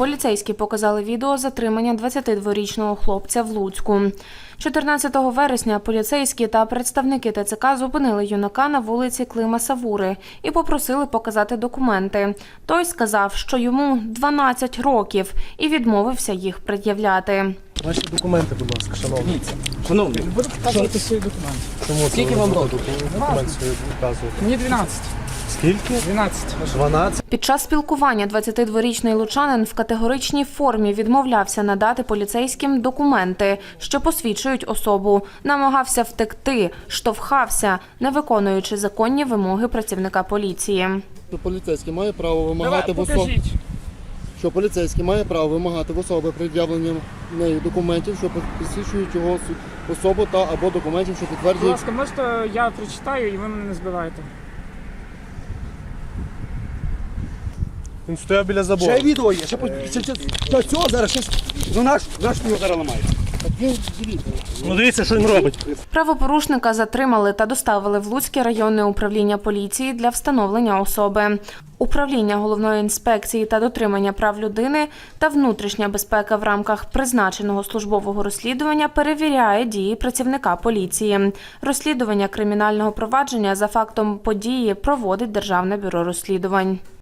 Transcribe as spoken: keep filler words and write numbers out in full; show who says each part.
Speaker 1: Поліцейські показали відео затримання двадцятидворічного хлопця в Луцьку. чотирнадцятого вересня поліцейські та представники Те Це Ка зупинили юнака на вулиці Клима Савури і попросили показати документи. Той сказав, що йому дванадцять років і відмовився їх пред'являти.
Speaker 2: Ваші документи, будь ласка, шановні.
Speaker 3: Шановний,
Speaker 4: Ви показуєте свої документи.
Speaker 2: Чому
Speaker 3: Скільки вам років?
Speaker 2: Документи свої показуєте.
Speaker 4: Мені дванадцять.
Speaker 2: Скільки?
Speaker 4: дванадцять.
Speaker 2: дванадцять.
Speaker 1: Під час спілкування двадцятидворічний лучанин в категоричній формі відмовлявся надати поліцейським документи, що посвідчують особу. Намагався втекти, штовхався, не виконуючи законні вимоги працівника поліції.
Speaker 5: Поліцейський має право вимагати
Speaker 4: Давай,
Speaker 5: в особи,
Speaker 4: покажіть.
Speaker 5: що поліцейський має право вимагати в особи пред'явлення нею документів, що посвідчують його особу та або документів, що
Speaker 4: Будь
Speaker 5: підтверджують.
Speaker 4: ласка, можете я прочитаю і ви мене не збиваєте.
Speaker 2: Він стояв біля забору.
Speaker 3: ще відео є, ще по ще цього зараз щось. Ну наш наш його зараз ламає.
Speaker 2: Ну дивіться, що він робить.
Speaker 1: Правопорушника затримали та доставили в Луцьке районне управління поліції для встановлення особи. Управління головної інспекції та дотримання прав людини та внутрішня безпека в рамках призначеного службового розслідування перевіряє дії працівника поліції. Розслідування кримінального провадження за фактом події проводить Державне бюро розслідувань.